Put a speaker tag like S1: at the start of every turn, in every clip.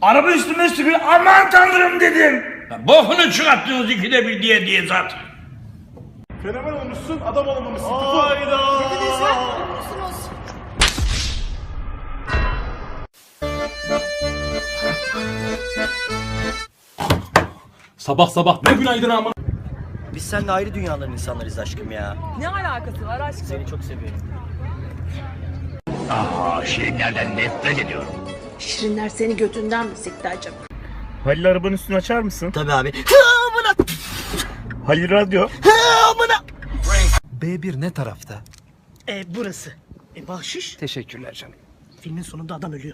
S1: Araba üstüme sürüyor. Aman tanrım dedim.
S2: Bokunu çıkarttınız ikide bir diye zaten.
S3: Fenomen olmuşsun, adam olamamışsın.
S1: Hayda.
S3: Sabah sabah ne günaydın ama.
S4: Biz seninle ayrı dünyaların insanlarıyız aşkım ya.
S5: Ne alakası var aşkım?
S4: Seni çok seviyorum.
S2: Şirinlerden nefret ediyorum.
S6: Şirinler seni götünden mi sikti acaba?
S1: Halil arabanın üstünü açar mısın?
S4: Tabii abi.
S1: Halil radyo.
S7: B1 ne tarafta?
S4: Burası. Bahşiş.
S7: Teşekkürler canım.
S4: Filmin sonunda adam ölüyor.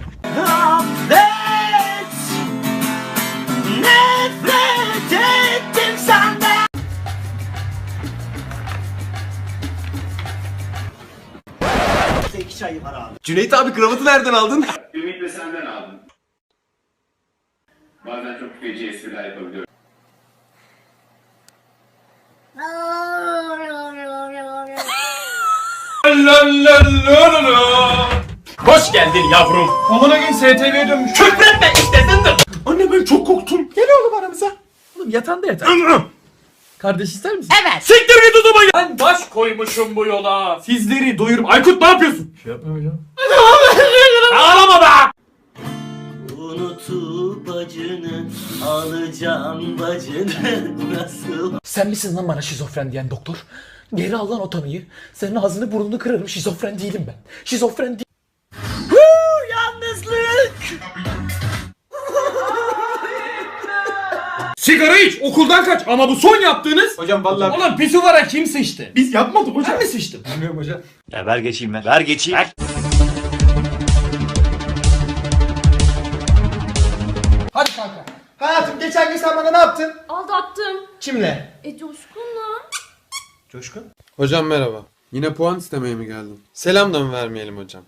S4: Nefret ettim senden. İki çayı var abi.
S7: Cüneyt abi kravatı nereden aldın?
S8: Ümit de senden aldım. Bazen çok feci espriler yapabiliyorum.
S3: Hoş geldin yavrum. Amına gün STV'ye dönmüş. Küfretme işte zındır. Anne ben çok korktum. Gel oğlum aramıza. Oğlum yatağında yatar. Kardeş ister misin?
S6: Evet.
S3: Siktir git odama gel. Ben baş koymuşum bu yola. Sizleri doyurup. Aykut ne yapıyorsun? Şey yapma hocam. Ağlama be.
S4: Unutup acını alacağım bacını nasıl?
S9: Sen misin lan bana şizofren diyen doktor? Geri al lan o tanıyı. Senin ağzını burnunu kırarım. Şizofren değilim ben. Şizofren değilim.
S4: Yalnızlık.
S3: Sigara iç, okuldan kaç ama bu son yaptığınız... Hocam vallahi... Ulan pisuvara kim sıçtı? Biz yapmadık hocam. Ben mi sıçtım? Bilmiyorum hocam.
S1: Ya ver geçeyim ben. Ver geçeyim.
S3: Hadi kanka. Hayatım geçen gün sen bana ne yaptın?
S6: Aldattım.
S3: Kimle?
S6: Coşkun'la.
S3: Coşkun.
S7: Hocam merhaba. Yine puan istemeye mi geldin? Selam da mı vermeyelim hocam?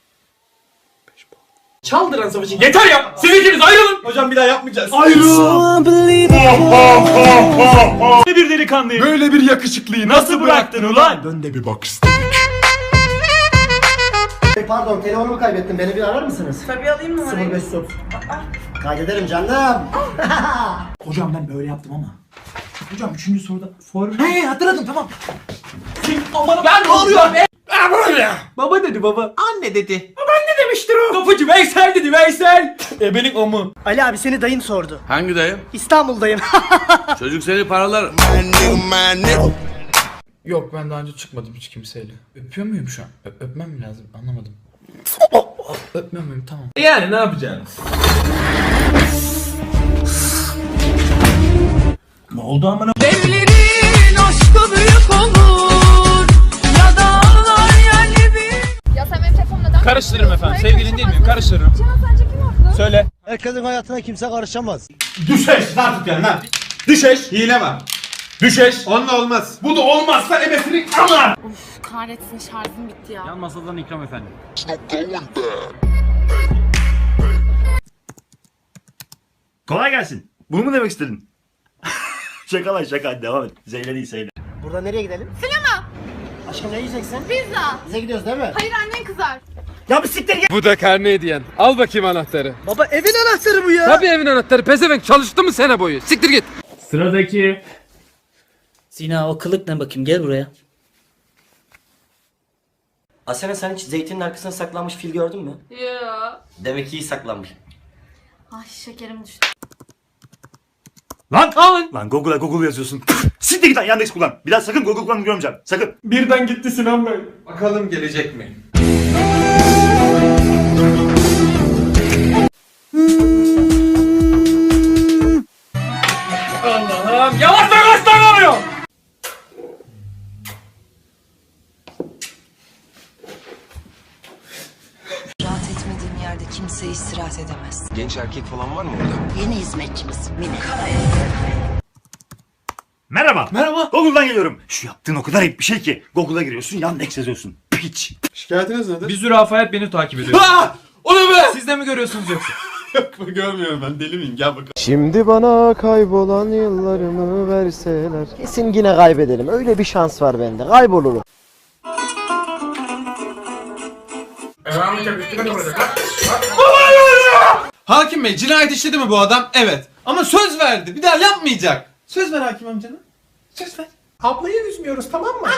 S3: Çaldıran savaşı. Yeter ya! Siz ikiniz ayrılın! Hocam bir daha yapmayacağız. Ayrılın!
S1: Ne bir delikanlıyım.
S7: Böyle bir yakışıklıyı
S1: Nasıl bıraktın ulan?
S7: Dön de bir bak istedim.
S4: Pardon telefonumu kaybettim. Beni bir arar mısınız?
S5: Tabii alayım numarayı.
S4: 0530. Kaydederim canım.
S9: Hocam ben böyle yaptım ama. Hocam 3. soruda He hatırladım tamam.
S3: Ben ne oluyor be? Böyle. Baba dedi baba. Anne dedi. Babaanne demiştir o. Kapıcı Veysel dedi Veysel. Benim o mu?
S4: Ali abi seni dayın sordu.
S2: Hangi dayım?
S4: İstanbul'dayım.
S2: Çocuk seni paralar.
S9: Yok ben daha önce çıkmadım hiç kimseyle. Öpüyor muyum şu an? Öpmem mi lazım? Anlamadım. Öpmüyor muyum? Tamam.
S3: Yani ne yapacaksınız?
S1: Ne oldu amına?
S5: Devlerin aşkı büyük olur. Ya dağlar yerli bir.
S6: Ya sen benim telefonumu neden...
S3: Karıştırırım efendim. Sevgilin değil miyim? Karıştırırım.
S6: Cihan sence kim haklı?
S3: Söyle.
S4: Herkesin hayatına kimse karışamaz.
S3: Düşeş. Lan tut yani lan. Düşeş. Hile var. Düşeş. Onunla olmaz. Bu da olmazsa ebesini ama.
S6: Kahretsin şarjım bitti ya.
S3: Masadan ikram efendim.
S1: Kolay gelsin. Bunu mu demek istedin? Şaka lan şaka. Devam et. Zeyle değil Zeyle.
S4: Burada nereye gidelim? Sinema. Aşkım ne yiyeceksin?
S6: Pizza.
S4: Bize gidiyoruz değil mi?
S6: Hayır annen kızar.
S4: Ya bir siktir git.
S7: Bu da karne hediyen. Al bakayım anahtarı.
S4: Baba evin anahtarı bu ya.
S7: Tabii evin anahtarı. Pezevenk çalıştı mı sene boyu? Siktir git.
S3: Sıradaki.
S4: Sina o kılık ne bakayım gel buraya. Asena sen hiç zeytinin arkasına saklanmış fil gördün mü?
S6: Ya.
S4: Demek ki iyi saklanmış.
S6: Ay şekerim düştü.
S1: Lan! Alın! Lan Google yazıyorsun. Siktir git lan Yandex kullan. Bir daha sakın Google kullanını görmeyeceğim. Sakın.
S3: Birden gitti Sinan Bey. Bakalım gelecek mi? Allah'ım yavaş kaç tane oluyor?
S5: Rahat etmediğim yerde kimse istirahat edemez.
S7: Genç erkek falan var mı orada?
S5: Yeni hizmetçimiz Mine.
S1: Merhaba.
S3: Merhaba.
S1: Google'dan geliyorum. Şu yaptığın o kadar ayıp bir şey ki. Google'a giriyorsun Yandex yazıyorsun. Piç.
S7: Şikayetiniz nedir?
S3: Bir zürafayet beni takip ediyor. O ne be? Siz de mi görüyorsunuz yoksa?
S7: Yok görmüyorum ben deli miyim gel bakalım. Şimdi bana kaybolan yıllarımı verseler.
S4: Kesin yine kaybedelim. Öyle bir şans var bende. Kaybolurum.
S7: Hakim bey cinayet işledi mi bu adam? Evet. Ama söz verdi. Bir daha yapmayacak. Söz ver hakim amcana. Söz ver.
S3: Ablayı üzmüyoruz, tamam mı?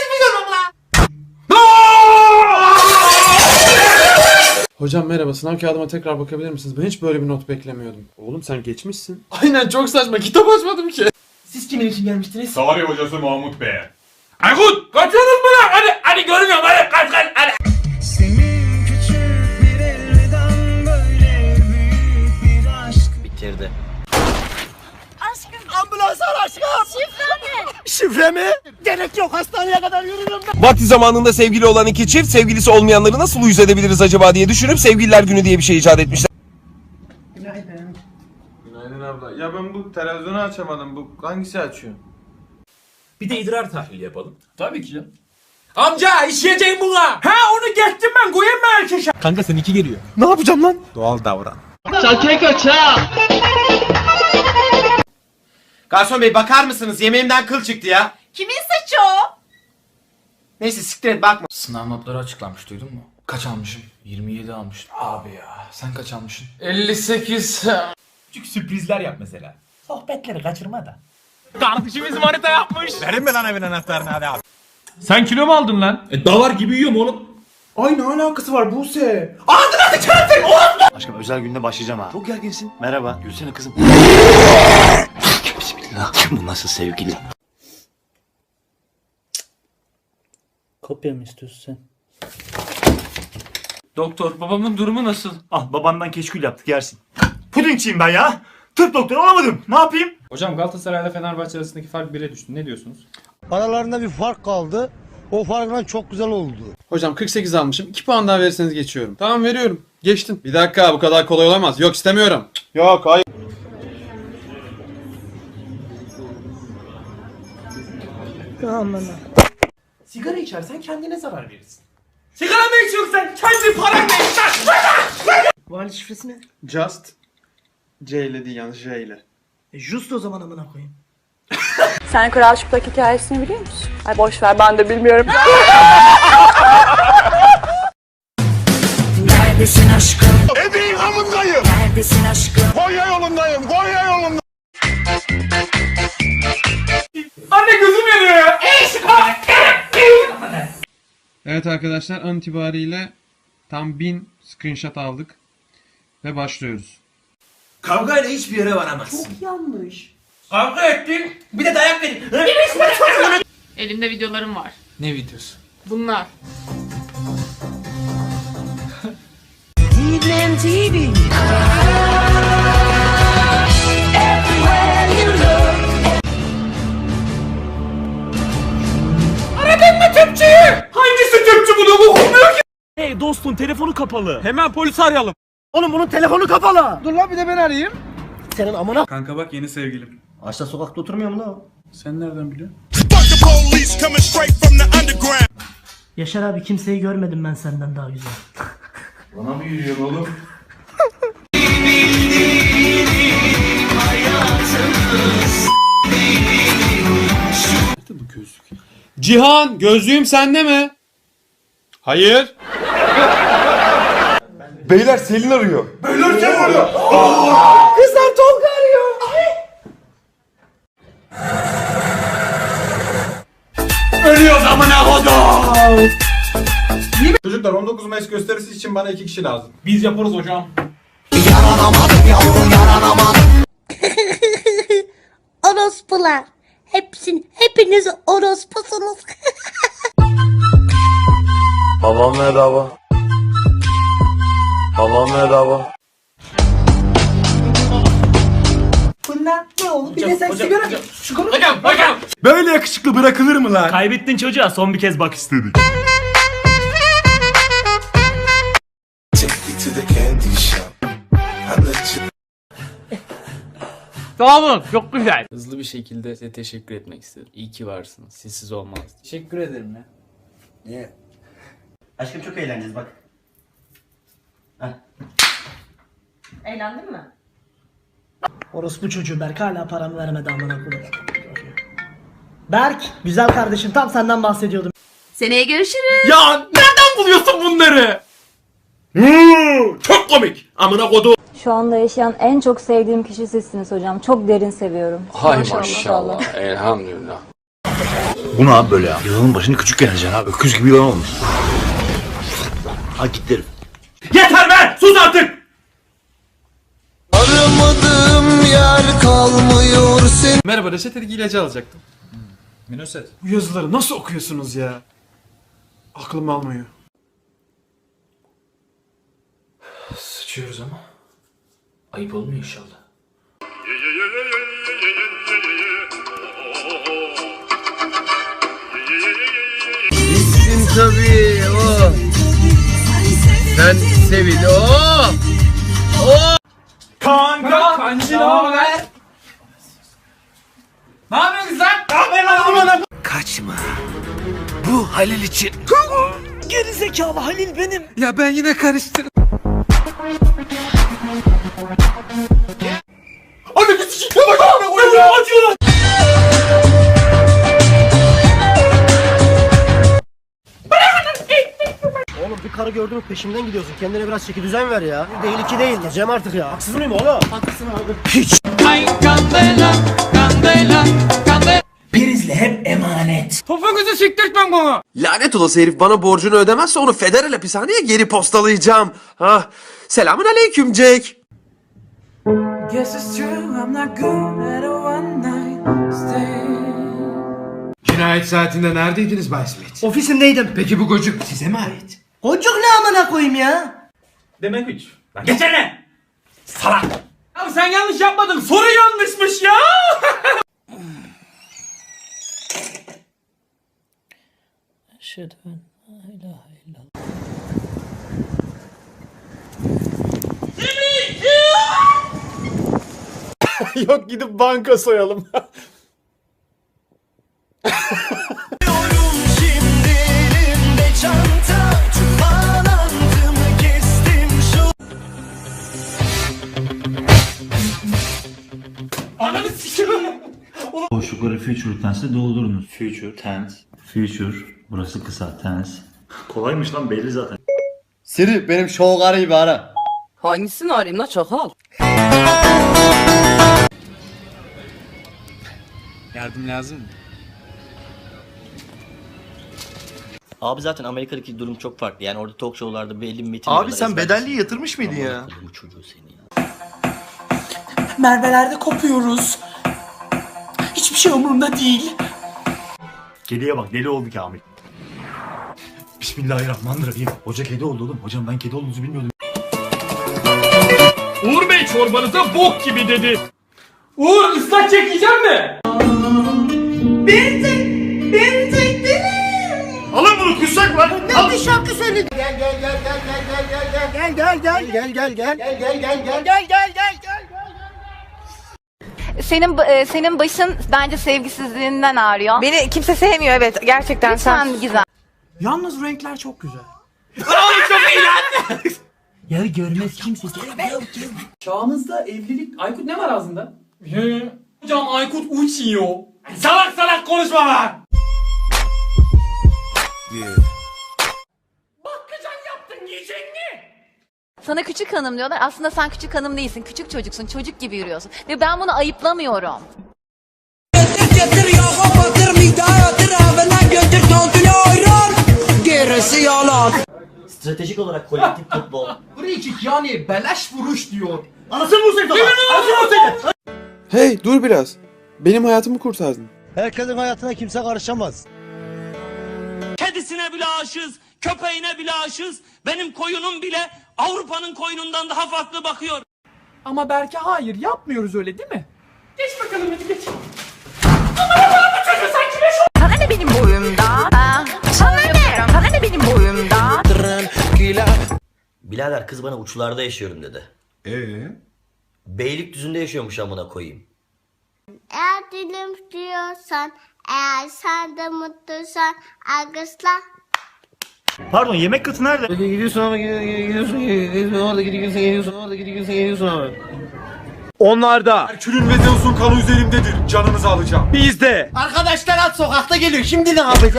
S7: Hocam merhaba, sınav kağıdıma tekrar bakabilir misiniz? Ben hiç böyle bir not beklemiyordum. Oğlum sen geçmişsin. Aynen, çok saçma, kitap açmadım ki.
S3: Siz kimin için gelmiştiniz?
S8: Tarih hocası Mahmut Bey.
S2: Aykut kaçıyorsunuz mu lan? Hadi görmüyorum hadi kaç.
S4: Bitirdi.
S10: Vakti zamanında sevgili olan iki çift sevgilisi olmayanları nasıl uyuz edebiliriz acaba diye düşünüp Sevgililer Günü diye bir şey icat etmişler.
S7: Günaydın abla. Ya ben bu televizyonu açamadım. Bu hangisi açıyor?
S3: Bir de idrar tahlili yapalım.
S2: Tabii ki canım.
S3: Amca işleyeceğim buna. Ha onu geçtim ben, koyayım mı erkeşe? Kanka seninki geliyor.
S10: Ne yapacağım lan?
S7: Doğal davran.
S3: Garson bey bakar mısınız? Yemeğimden kıl çıktı ya.
S6: Kimin saçı o?
S3: Neyse siktir et, bakma.
S9: Sınav notları açıklanmış, duydun mu? Kaç almışım? 27 almışım. Abi ya sen kaç almışsın? 58.
S3: Küçük sürprizler yap mesela. Sohbetleri kaçırma da. Kardeşimiz manita yapmış.
S7: Verin mi lan evin anahtarını hadi abi.
S3: Sen kilo mu aldın lan?
S2: Davar gibi yiyorum oğlum.
S3: Ay ne alakası var Buse?
S1: Aşkım özel gününe başlayacağım ha. Çok gerginsin. Merhaba. Gülsene kızım. Bismillah. Bu nasıl sevgili?
S4: Kopya mı istiyorsun sen?
S3: Doktor babamın durumu nasıl?
S1: Ah babandan keşkül yaptık yersin. Pudingçiyim ben ya. Tıp doktoru olamadım. Ne yapayım?
S11: Hocam Galatasaray'la Fenerbahçe arasındaki fark 1'e düştü. Ne diyorsunuz?
S10: Aralarında bir fark kaldı. O farkla çok güzel oldu.
S7: Hocam 48 almışım. 2 puan daha verirseniz geçiyorum. Tamam veriyorum. Geçtin. Bir dakika, bu kadar kolay olamaz. Yok, istemiyorum. Yok, hayır.
S3: Sigara içersen kendine zarar verirsin. Sigara mı içiyorsun sen? Kendi paranla iç lan!
S4: Vali şifresi ne?
S7: Just. C ile değil, yalnız J ile.
S4: Just o zaman amına koyayım.
S5: Sen Kral Çıplak hikayesini biliyor musun? Ay boş ver, ben de bilmiyorum. Neredesin aşkım?
S10: Ebeğin hamındayım.
S5: Neredesin aşkım?
S10: Konya yolundayım. Konya yolundayım.
S3: Anne gözüm yanıyor ya!
S7: Evet arkadaşlar, an itibariyle tam 1000 screenshot aldık. Ve başlıyoruz.
S3: Kavgayla hiçbir yere varamazsın. Çok yanlış. Kavga ettin, bir de dayak verin.
S6: Elimde videolarım var.
S9: Ne videosu?
S6: Bunlar.
S3: Hangisi Türkçü bunu okumuyor ki?
S1: Hey dostum telefonu kapalı. Hemen polisi arayalım. Oğlum bunun telefonu kapalı.
S10: Dur lan bir de ben arayayım.
S4: Senin amına...
S7: Kanka bak, yeni sevgilim.
S4: Ağaçta sokakta oturmuyor mu lan o?
S7: Sen nereden biliyorsun?
S4: Yaşar abi kimseyi görmedim ben senden daha güzel.
S2: Bana mı yürüyorsun oğlum?
S7: Cihan, gözlüğüm sende mi? Hayır.
S10: Beyler Selin arıyor.
S3: Kızlar Tolga arıyor. Ölüyoruz amına kodum.
S7: Çocuklar 19 Mayıs gösterisi için bana 2 kişi lazım.
S3: Biz yaparız hocam.
S5: Orospular. Hepiniz orospusunuz.
S10: Babam merhaba. Babam merhaba.
S4: Bunlar ne oldu? Bir de sen sigara...
S3: Hocam.
S1: Böyle yakışıklı bırakılır mı lan? Kaybettin çocuğa son bir kez bak istedik.
S9: Hızlı bir şekilde size teşekkür etmek istedim. İyi ki varsınız. Sizsiz olmaz. Teşekkür ederim ya.
S4: Aşkım çok eğleneceğiz bak.
S6: Eğlendin mi?
S4: Orospu çocuğu Berk hala paramı vermedi amına koyayım. Berk, güzel kardeşim tam senden bahsediyordum.
S6: Seneye görüşürüz.
S3: Ya nereden buluyorsun bunları? Çok komik. Amına kodum.
S5: Şu anda yaşayan en çok sevdiğim kişi sizsiniz hocam. Çok derin seviyorum.
S9: Hay maşallah. Elhamdülillah.
S1: Bu ne abi böyle ya? Yılanın başını küçük geleceksin abi. Öküz gibi yılan olmuş. Ha git derim.
S3: Yeter be! Sus artık!
S10: Aramadığım yer kalmıyor senin.
S7: Merhaba, reçetedeki ilacı alacaktım.
S11: Minoset.
S7: Bu yazıları nasıl okuyorsunuz ya? Aklım almıyor.
S9: Sıçıyoruz ama. Ayıp olmuyor inşallah.
S10: Bitsin tabii o. Sen sevil o.
S3: Kanka! Kancı ne haber? Ne yapıyorsun sen? Ne yapıyorsun lan?
S10: Kaçma. Bu Halil için.
S4: Geri zekalı Halil benim.
S10: Ya ben yine karıştırdım.
S3: Anne bir sikeyim. Bak abi oyunu atıyorlar.
S4: Oğlum bir karı gördün mü peşimden gidiyorsun. Kendine biraz çeki düzen ver ya. Bir değil iki değil. Cem artık ya. Haksız mıyım oğlum? Haklısın abi. Hiç. Prizle hep emanet.
S3: Topuğunuzu siktirtmem bana.
S10: Lanet olası herif bana borcunu ödemezse onu federal hapishaneye geri postalayacağım. Ah. Selamun aleyküm Jack.
S7: Cinayet saatinde neredeydiniz Bay Smith?
S4: Ofisimdeydim.
S7: Peki bu gocuk size mi ait?
S4: Kocuk ne amına koyayım ya?
S3: Demek hiç. Lan geçene. Salak. Ya sen yanlış yapmadın. Soru yanlışmış ya.
S4: Eşhedü en la ilahe illallah.
S7: Yok, gidip banka soyalım.
S3: Ananı sikeyim.
S1: Boşlukları future tense'le doldurunuz. Future tense. Future. Burası kısa tense. Kolaymış lan belli zaten.
S10: Siri benim şovgarıyı bir ara.
S6: Hangisini arayayım la çakal?
S9: Yardım lazım mı?
S12: Abi zaten Amerika'daki durum çok farklı. Yani orada talk show'larda belli bir metin...
S10: Abi sen bedelliği yatırmış mıydın ya?
S12: Bu çocuğu seni ya.
S4: Mervelerde kopuyoruz. Hiçbir şey umurumda değil.
S1: Kediye bak deli oldu Kamil. Bismillahirrahmanirrahim. Hoca kedi oldu oğlum. Hocam ben kedi olduğunuzu bilmiyordum.
S3: Uğur Bey çorbanıza bok gibi dedi. Uğur ıslak çekeceğim mi?
S4: Beni çektiler.
S1: Alın bunu kussak lan.
S4: Ne bir şarkı söyledi. Gel gel gel gel gel gel gel gel gel gel gel gel gel gel gel gel.
S6: Senin başın bence sevgisizliğinden ağrıyor.
S5: Beni kimse sevmiyor, evet, gerçekten
S6: Lütfen Gizem.
S4: Yalnız renkler çok güzel.
S3: Çok iyi lan.
S4: Ya görmez kimse.
S3: Çağımızda evlilik... Aykut ne var ağzında? Hocam Aykut uçuyor. Salak salak konuşma lan. Bakkacan yaptın yiyecek mi?
S6: Sana küçük hanım diyorlar. Aslında sen küçük hanım değilsin. Küçük çocuksun. Çocuk gibi yürüyorsun. Ve ben bunu ayıplamıyorum.
S12: Stratejik olarak kolektif futbol.
S3: Frikik yani beleş vuruş diyor.
S1: Anasını vursaydı lan. Anasını vursaydı.
S7: Hey, dur biraz. Benim hayatımı kurtardın.
S4: Herkesin hayatına kimse karışamaz.
S2: Kedisine bile aşığız, köpeğine bile aşığız. Benim koyunum bile Avrupa'nın koyunundan daha farklı bakıyor.
S3: Ama belki hayır yapmıyoruz öyle değil mi? Geç bakalım hadi geç.
S5: Sana ne benim boyumda? Sana ne? Sana ne benim boyumda?
S12: Birader kız bana uçlarda yaşıyorum dedi. Beylikdüzü'nde yaşıyormuş amına koyayım.
S13: Eğer dilim diyorsan, eğer sen de mutluysan, alkışla.
S1: Pardon yemek katı nerede?
S10: Gidiyorsun ama gidiyorsun orada gidiyorsun ama. Onlarda.
S7: Herkül'ün ve Zeus'un kanı üzerimdedir. Canınızı alacağım.
S10: Bizde.
S4: Arkadaşlar at sokakta geliyor. Şimdi ne yapacağız?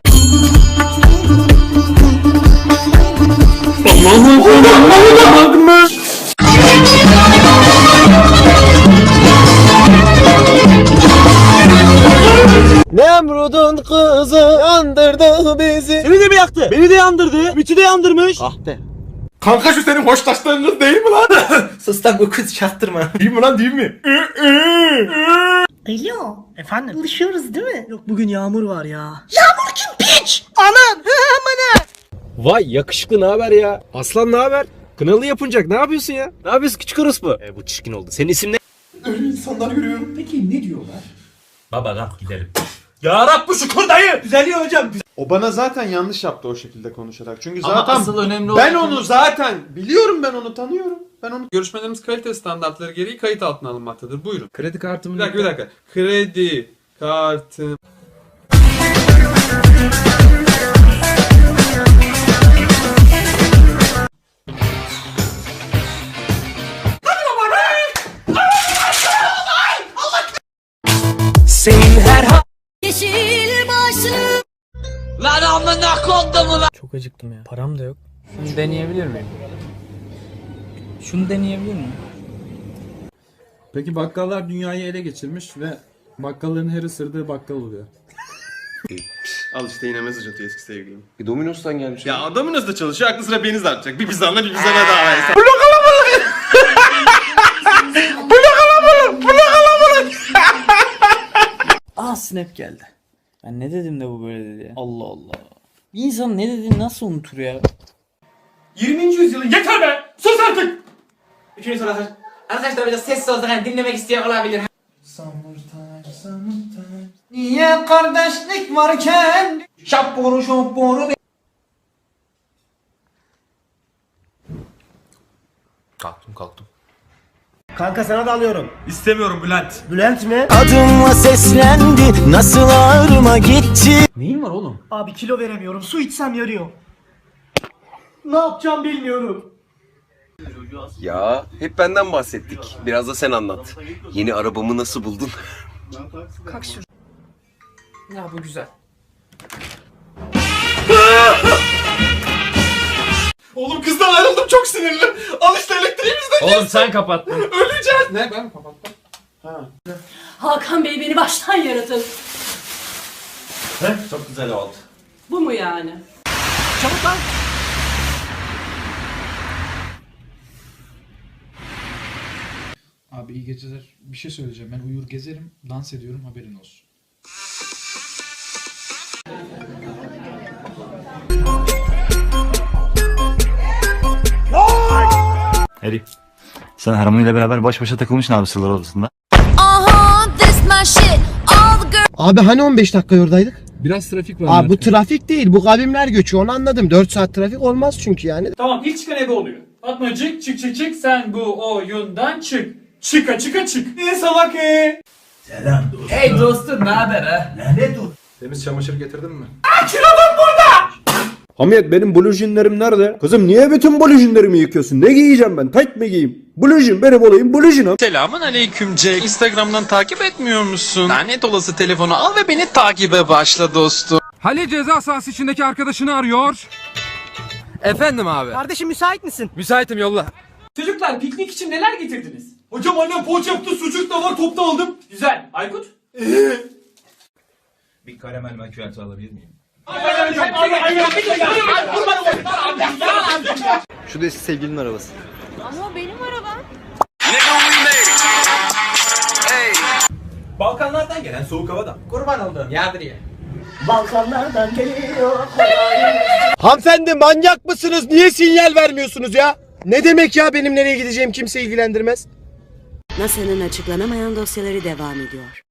S7: Allah'ım
S14: Nemrud'un kızı yandırdı bizi. Seni de mi yaktı? Beni de yandırdı. Ümit'i de yandırmış. Ah be.
S3: Kanka şu senin hoşlaştığın kız değil mi lan?
S14: Sus lan bu kız çaktırma.
S3: Değil mi lan değil mi?
S4: Alo. Efendim? Buluşuyoruz değil mi? Yok bugün yağmur var ya. Yağmur kim piç? Anan. Amına.
S14: Vay yakışıklı ne haber ya? Aslan ne haber? Kınalı yapınacak ne yapıyorsun ya? Ne yapıyorsun küçük orospu? Bu çirkin oldu. Senin isim ne?
S3: Öyle insanlar görüyorum. Peki ne diyorlar?
S2: Baba kalk gidelim.
S3: Ya Rabbi şükür dayı.
S7: Düzeliyor hocam. O bana zaten yanlış yaptı o şekilde konuşarak. Çünkü
S9: Ama
S7: zaten
S9: asıl önemli
S7: ben
S9: olan-
S7: onu zaten biliyorum, ben onu tanıyorum. Ben onu görüşmelerimiz kalite standartları gereği kayıt altına alınmaktadır. Buyurun.
S11: Kredi kartımı...
S7: Bir dakika. Kredi kartım.
S14: Senin her
S6: Yeşil başlı.
S2: Lan amına kodum lan.
S14: Çok acıktım ya. Param da yok.
S9: Şunu deneyebilir miyim? Şunu deneyebilir miyim?
S11: Peki bakkallar dünyayı ele geçirmiş ve bakkalların her ısırdığı bakkal oluyor.
S7: Al işte yine mesaj atıyor eski sevgilim.
S10: Domino's'tan gelmiş.
S7: Ya Domino's'da çalışıyor, aklı sıra beni dağıtacak. Bir bizanla bir bizana daha versin.
S9: Aa snap geldi. Ben ne dedim de bu böyle dedi ya. Allah Allah. Bir insan ne dediğini nasıl unutur ya?
S3: 20. yüzyılın yeter be. Sus artık.
S14: Üçüncü soru hazır. Arkadaşlar biraz sessiz olsak hani dinlemek isteyen olabilir.
S4: Niye kardeşlik varken? Şapboru şapboru.
S10: Kalktım.
S14: Kanka sana da alıyorum.
S3: İstemiyorum Bülent.
S14: Bülent mi? Adımla seslendi. Nasıl ağrıma gitti.
S11: Neyin var oğlum?
S4: Abi kilo veremiyorum. Su içsem yarıyor. Ne yapacağım bilmiyorum.
S10: Ya hep benden bahsettik. Biraz da sen anlat. Yeni arabamı nasıl buldun?
S9: Ya bu güzel.
S3: Oğlum kızdan ayrıldım, çok sinirli. Al işte elektriğimizden.
S11: Oğlum sen kapattın.
S3: Öleceğiz.
S7: Ne ben mi kapattım?
S6: Hakan Bey beni baştan yaratın.
S1: Çok güzel oldu.
S6: Bu mu yani?
S4: Çabuk lan.
S11: Abi iyi geceler. Bir şey söyleyeceğim. Ben uyur gezerim, dans ediyorum, haberin olsun.
S1: Harry. Sen Harmony ile beraber baş başa takılmışsın abi sırlar odasında.
S14: Abi hani 15 dakika oradaydık?
S11: Biraz trafik var.
S14: Abi bu trafik değil, bu kavimler göçü, onu anladım. 4 saat trafik olmaz çünkü yani.
S3: Tamam, ilk çıkan ebe oluyor. Fatmacık çık sen bu oyundan çık. Çık. Salak
S14: Selam dostum.
S3: Hey dostum, ne haber ha?
S14: Lanet ol.
S7: Temiz çamaşır getirdin mi?
S15: Hamiyet benim blujinlerim nerede? Kızım niye bütün blujinlerimi yıkıyorsun? Ne giyeceğim ben? Tayt mı giyeyim? Blujin benim olayım blujinam.
S16: Selamun aleyküm Jack. Instagram'dan takip etmiyor musun? Lanet olası telefonu al ve beni takibe başla dostum.
S17: Halil ceza sahası içindeki arkadaşını arıyor.
S14: Efendim abi.
S4: Kardeşim müsait misin?
S14: Müsaitim yolla.
S3: Çocuklar, piknik için neler getirdiniz? Hocam annem poğaça yaptı, sucuk da var, top da aldım. Güzel. Aykut?
S1: Bir karamel makyajı alabilir miyim?
S14: Şu da eski sevgilinin arabası.
S6: Ama benim arabam.
S3: Balkanlardan gelen soğuk havadan.
S14: Kurban olduğum yardır ya.
S4: Balkanlardan geliyor.
S14: Hanımefendi manyak mısınız? Niye sinyal vermiyorsunuz ya? Ne demek ya benim nereye gideceğim kimse ilgilendirmez.
S18: NASA'nın açıklanamayan dosyaları devam ediyor.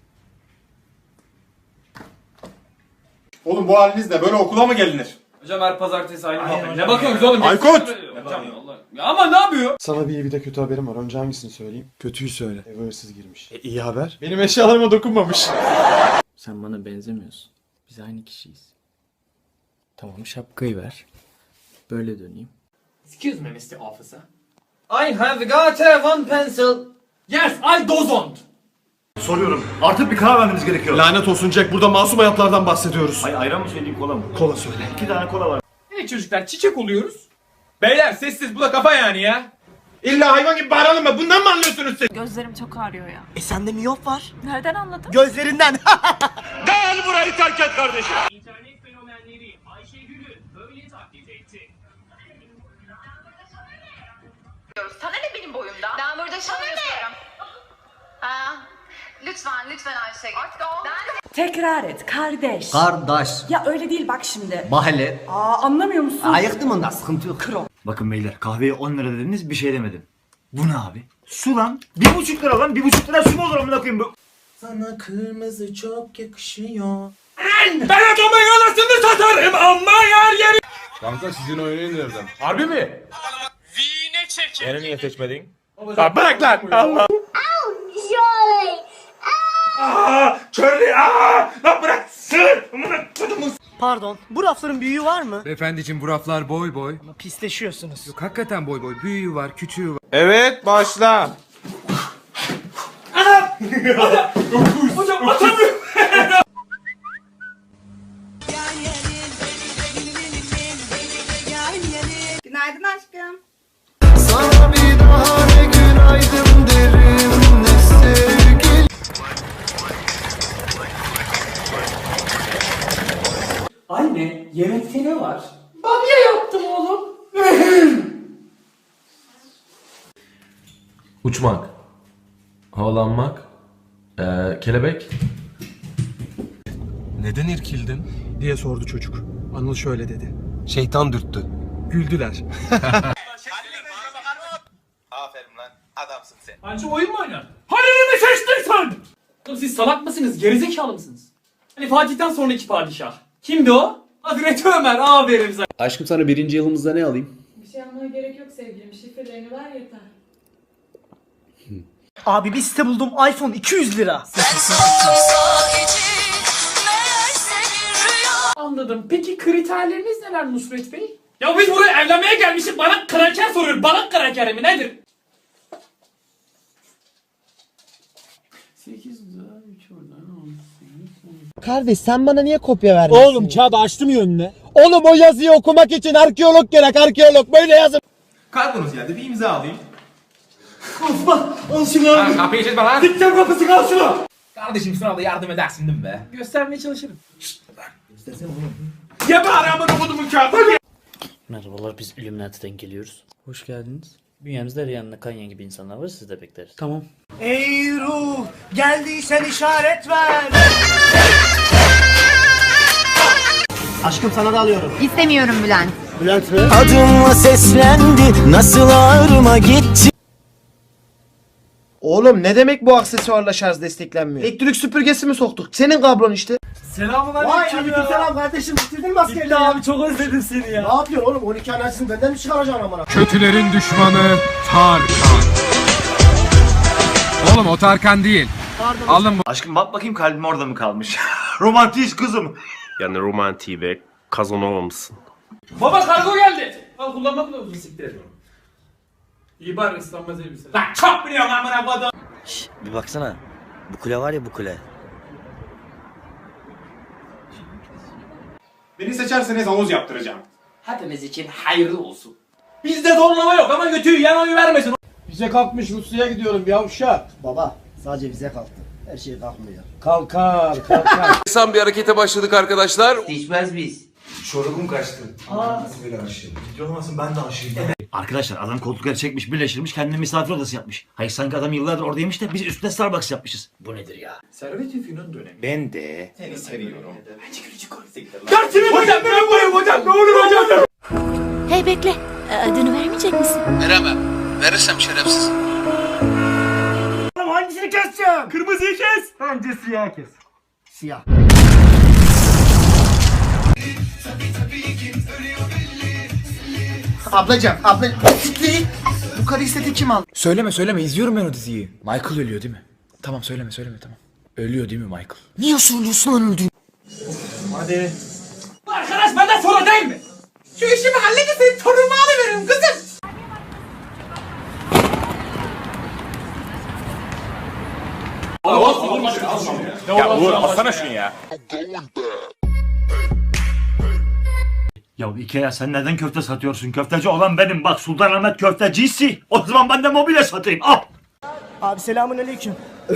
S7: Oğlum bu halinizle böyle okula mı gelinir?
S3: Hocam her pazartesi aynı muhabbet. Ne bakıyorsunuz oğlum?
S7: Aykut!
S3: Ya ama ne yapıyor?
S7: Sana bir iyi bir de kötü haberim var. Önce hangisini söyleyeyim? Kötüyü söyle. Eve hırsız girmiş. İyi haber. Benim eşyalarıma dokunmamış.
S9: Sen bana benzemiyorsun. Biz aynı kişiyiz. Tamam şapkayı ver. Böyle döneyim.
S3: Excuse me Mr. Officer. I have got one pencil. Yes, I don't.
S1: Soruyorum. Artık bir karar vermeniz gerekiyor.
S7: Lanet olsun Jack, burada masum hayatlardan bahsediyoruz.
S1: Ayran mı söyleyeyim, kola mı?
S7: Kola söyle.
S1: 2 tane kola var.
S3: Evet çocuklar, çiçek oluyoruz. Beyler sessiz, bu da kafa yani ya.
S7: İlla hayvan gibi bağıralım mı? Bundan mı anlıyorsunuz siz?
S5: Gözlerim çok ağrıyor ya.
S4: Sende miyop var.
S5: Nereden anladın?
S4: Gözlerinden.
S2: Gel burayı terk et kardeşim. İnternet fenomenleri Ayşegül'ü böyle taklit etti.
S6: Sana ne benim boyumda? Ben burada çalışıyorum. Lütfen Ayşegül.
S18: Tekrar et kardeş.
S14: Kardeş.
S18: Ya öyle değil bak şimdi.
S14: Mahalle.
S18: Anlamıyor musun?
S14: Ayıktım ondan sıkıntı yok.
S1: Bakın beyler kahveye 10 lira dediniz bir şey demedim. Bu ne abi? Su lan. 1,5 lira lan. 1,5 lira su mu olur amına koyayım bu?
S3: Sana kırmızı çok yakışıyor.
S2: Ben adamın anasını satarım ama yer yeri.
S11: Kanka sizin oyunu indirdim.
S3: Harbi mi?
S2: Vine çekin.
S3: Beni niye seçmedin?
S2: Bırak lan. Allah. Charlie. Lan bırak. Sır.
S4: Pardon. Bu rafların büyüğü var mı?
S17: Beyefendiciğim bu raflar boy boy.
S4: Pisleşiyorsunuz.
S17: Yok hakikaten boy boy. Büyüğü var, küçüğü var.
S11: Evet başla.
S2: Hocam atamıyorum.
S5: Günaydın aşkım.
S14: Sana bir daha ne günaydın derim ne sevgili.
S3: Anne yemekte ne var? Bamya yaptım oğlum.
S7: Uçmak. Havalanmak. Kelebek.
S14: Neden irkildin?
S15: diye sordu çocuk. Anıl şöyle dedi.
S14: Şeytan dürttü.
S15: Güldüler.
S14: Aferin lan adamsın sen.
S3: Anca oyun mu oynar? Halil'i mi seçtin sen? Oğlum siz salak mısınız? Gerizekalı mısınız? Hani Fatih'ten sonraki padişah. Kimdi o? Hazreti Ömer. Aferin sana.
S15: Aşkım sana 1. yılımızda ne alayım?
S5: Bir şey almaya gerek yok sevgilim. Şifrelerini ver yeter.
S4: Abi bir site buldum. iPhone 200 lira.
S3: Anladım. Peki kriterleriniz neler Nusret Bey? Ya biz buraya evlenmeye gelmişiz. Bana kraker soruyor. Bana kraker mi nedir? 8 daha 3 oradan 10.
S14: Kardeş sen bana niye kopya vermiyorsun?
S15: Oğlum kağıdı açtım ya önüne.
S14: Oğlum o yazıyı okumak için arkeolog gerek arkeolog böyle yazın.
S3: Kalkınız geldi. Bir imza alayım.
S4: Al şunu abi.
S3: Kapıyı çizme lan.
S4: Dikten kapısı al şunu.
S3: Kardeşim sınavda yardım edersin değil mi be? Göstermeye çalışırım.
S2: Ya bari amına kodumun kağıdı.
S9: Merhabalar, biz Illuminati'den geliyoruz. Hoş geldiniz. Bünyemizde Rihanna, Kanye gibi insanlar var, sizi de bekleriz. Tamam.
S4: Ey ruh geldiysen işaret ver. Aşkım sana da alıyorum.
S5: İstemiyorum Bülent.
S4: Bülent mi?
S14: Adımla seslendi nasıl ağrıma gitti. Oğlum ne demek bu aksesuarla şarj desteklenmiyor? Elektrik süpürgesi mi soktuk? Senin kablon işte.
S4: Vay selam kardeşim bitirdin mi askerliği abi çok özledim seni ya. Ne yapıyorsun oğlum 12 anasını benden mi çıkaracaksın amına?
S17: Kötülerin düşmanı Tarkan. Oğlum o Tarkan değil. Alın bu.
S1: Aşkım bak bakayım kalbim orada mı kalmış? Romantiyiz kızım.
S10: Yani romantiği ve kazanamamışsın.
S3: Baba kargo geldi. Al kullanmak mı uzun siktir et. İyi bari ıslanmaz elbise. Lan çok biliyorum amına kodum.
S12: Bir baksana. Bu kule var ya bu kule.
S3: Beni seçerseniz havuz yaptıracağım. Hepimiz için hayırlı olsun. Bizde zorlama yok ama götüyü yan oyu vermesin.
S15: Bize kalkmış Rusya'ya gidiyorum yavşak.
S14: Baba sadece bize kalktı. Her şey kalkmıyor.
S15: Kalkar.
S10: Sen bir harekete başladık arkadaşlar.
S12: Değişmez biz.
S1: Çorukum kaçtı. Ciddi olmasın ben de aşığım. Arkadaşlar adam koltukları çekmiş birleştirmiş kendine misafir odası yapmış. Hayır sanki adam yıllardır oradaymış da biz üstüne Starbucks yapmışız. Bu nedir ya?
S3: Servet-i Fünun dönemi.
S10: Ben de.
S3: Seni seviyorum. Hocam ben buyum hocam ne olur hocam.
S6: Hey bekle. Adını vermeyecek misin?
S16: Veremem. Verirsem şerefsiz.
S4: Hangisini keseceğim?
S2: Kırmızıyı kes.
S4: Bence siyah kes. Siyah.
S14: Ablacım bu karı istedi kim aldı?
S3: Söyleme izliyorum ben o diziyi. Michael ölüyor değil mi? Tamam söyleme tamam. Ölüyor değil mi Michael?
S14: Niye söylüyorsun lan öldüğünü?
S3: Hadi. Arkadaş benden sonra değil mi? Şu işimi halledin senin torunumu alıveririm kızım.
S2: Ya Uğur alsana şunu ya.
S1: Ya Ikea sen neden köfte satıyorsun? Köfteci olan benim bak Sultanahmet köftecisi. O zaman ben de mobilya satayım al.
S4: Abi selamun aleyküm.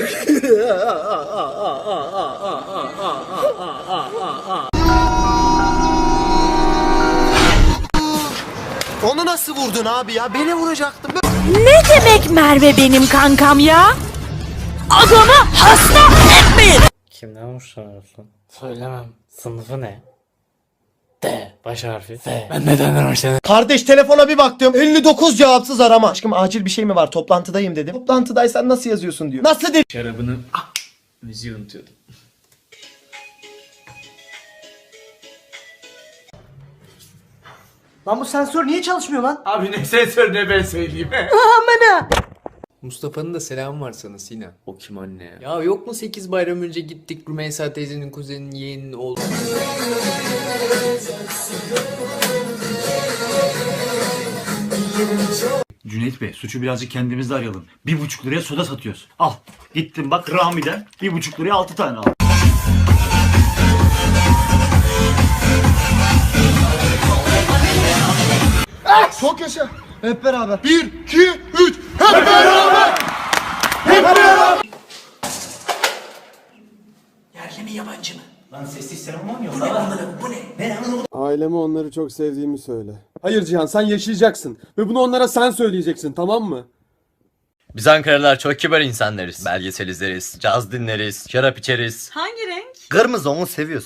S14: Onu nasıl vurdun abi ya? Beni vuracaktın.
S19: Ne demek Merve benim kankam ya? Adamı hasta etmeyin.
S9: Kimden hoşlanıyorsun? Söylemem. Sınıfı ne? D. Baş harfi. F. Ben neden hoşlanıyorum?
S14: Kardeş telefona bir baktım. 59 cevapsız arama. Aşkım acil bir şey mi var? Toplantıdayım dedim. Toplantıdaysan nasıl yazıyorsun diyor. Nasıl dedi?
S9: Şarabını... müziği unutuyordum.
S4: Lan bu sensör niye çalışmıyor lan?
S3: Abi ne sensör ne ben söyleyeyim.
S4: Amına.
S20: Mustafa'nın da selamı var sana Sinan. O kim anne ya? Ya yok mu 8 bayram önce gittik Rümeysa teyzenin kuzeninin yeğeninin oğlu.
S1: Cüneyt Bey suçu birazcık kendimizde arayalım. 1,5 liraya soda satıyoruz. Al. Gittim bak Rami'den 1,5 liraya 6 tane al.
S14: Çok yaşa. Hep beraber. 1, 2, 3. Hep beraber. Hep beraber.
S4: Yerli mi yabancı mı? Lan sessiz sinema mı oynuyor? Bu ne? Ne?
S7: Aileme onları çok sevdiğimi söyle. Hayır Cihan sen yaşayacaksın. Ve bunu onlara sen söyleyeceksin tamam mı?
S12: Biz Ankaralılar çok kibar insanlarız. Belgesel izleriz, caz dinleriz, şarap içeriz.
S18: Hangi renk?
S12: Kırmızı onu seviyorsun.